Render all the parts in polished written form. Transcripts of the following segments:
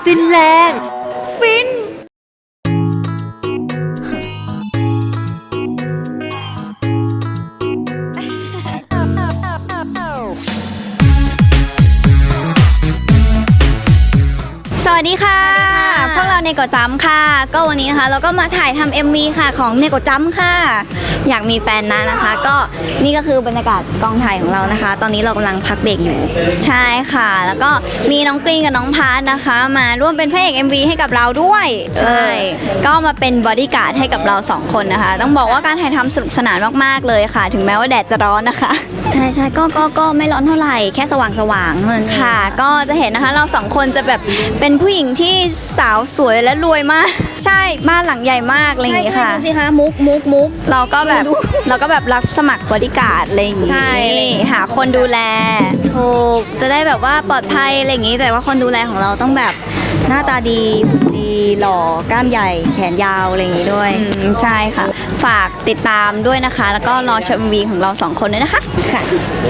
ฟินแลนด์ฟินสวัสดีค่ะพวกเราเนโกจัมค่ะก็วันนี้นะคะเราก็มาถ่ายทำ MV ค่ะของเนโกจัมค่ะอยากมีแฟนนะคะก็นี่ก็คือบรรยากาศกองถ่ายของเรานะคะตอนนี้เรากำลังพักเบรกอยู่ใช่ค่ะแล้วก็มีน้องกรีนกับน้องพาร์ทนะคะมาร่วมเป็นพระเอก MV ให้กับเราด้วยใช่ก็มาเป็นบอดี้การ์ดให้กับเรา2คนนะคะต้องบอกว่าการถ่ายทำสนุกสนานมากๆเลยค่ะถึงแม้ว่าแดดจะร้อนนะคะใช่ก็ไม่ร้อนเท่าไหร่แค่สว่างเท่านั้นค่ะก็จะเห็นนะคะเรา2คนจะแบบเป็นผู้หญิงที่สาวสวยและรวยมากใช่บ้านหลังใหญ่มากอะไรอย่างงี้ค่ะดูสิคะมุกเราก็แบบรับสมัครบอดี้การ์ดอะไรอย่างงี้ใช่หาคนดูแลถูกจะได้แบบว่าปลอดภัยอะไรอย่างงี้แต่ว่าคนดูแลของเราต้องแบบหน้าตาดีหล่อกล้ามใหญ่แขนยาวอะไรอย่างงี้ด้วยใช่ค่ะฝากติดตามด้วยนะคะแล้วก็รอชม MV ของเรา2คนด้วยนะคะค่ะ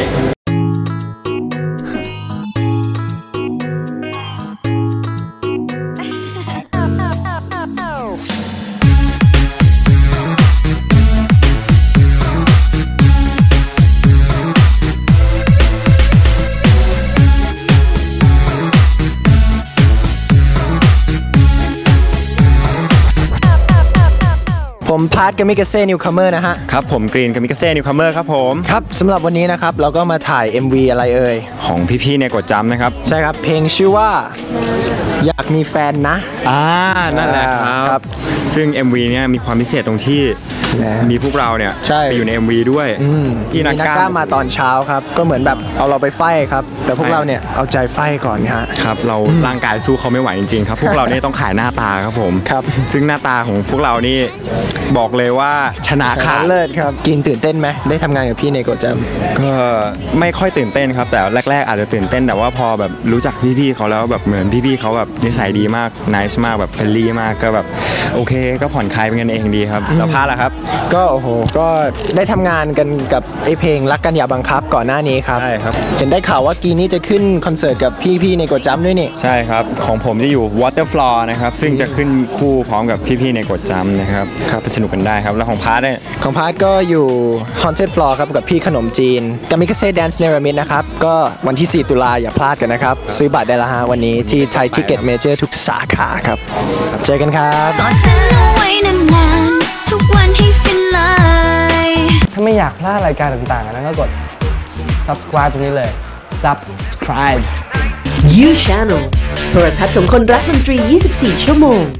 ผมพาร์ทกามิกาเซ่นิวคัมเมอร์นะฮะครับผมกรีนกามิกาเซ่นิวคัมเมอร์ครับผมครับสำหรับวันนี้นะครับเราก็มาถ่าย MV อะไรเอ่ยของพี่ๆในกดจำนะครับใช่ครับเพลงชื่อว่าอยากมีแฟนนะนั่นแหละครับซึ่ง MV เนี่ยมีความพิเศษตรงที่มีพวกเราเนี่ยไปอยู่ใน MV ด้วยที่นักกล้ามาตอนเช้าครับก็เหมือนแบบเอาเราไปไฟครับแต่พวกเราเนี่ยเอาใจไฟก่อนฮะครับเราร่างกายสู้เขาไม่ไหวจริงๆครับพวกเราเนี่ยต้องขายหน้าตาครับผมครับซึ่งหน้าตาของพวกเรานี่บอกเลยว่าชนะขาดเลิศครับกินตื่นเต้นไหมได้ทำงานกับพี่ในโกจัมก็ไม่ค่อยตื่นเต้นครับแต่แรกๆอาจจะตื่นเต้นแต่ว่าพอแบบรู้จักพี่ๆเขาแล้วแบบเหมือนพี่ๆเขาแบบนิสัยดีมากniceมากแบบเฟรนลี่มากก็แบบโอเคก็ผ่อนคลายเป็นกันเองดีครับแล้วพาล่ะครับก็โอ้โหก็ได้ทำงานกันกับไอเพลงรักกันอย่าบังคับก่อนหน้านี้ครับใช่ครับเห็นได้ข่าวว่ากีนี้จะขึ้นคอนเสิร์ตกับพี่ในโกจัมด้วยนี่ใช่ครับของผมจะอยู่ Water Floor นะครับซึ่งจะขึ้นคู่พร้อมกับพี่ๆในโกจัมนะครับไปสนุกกันได้ครับแล้วของพาร์ทเนี่ยของพาร์ทก็อยู่ Haunted Floor ครับกับพี่ขนมจีนกามิกาเซ่ Dance เนรมิตนะครับก็วันที่4 ตุลาอย่าพลาดกันนะครับซื้อบัตรได้แล้วฮะวันนี้ที่ Thai Ticket Major ทุกสาขาครับเจอกันครับกอดฉันเอาไว้นานๆทุกวันให้ฟินเลยถ้าไม่อยากพลาดรายการต่างๆนั้นก็กด subscribe ตรงนี้เลย subscribe You Channel โทรทัศน์ของคนรักดนตรี 24 ชั่วโมง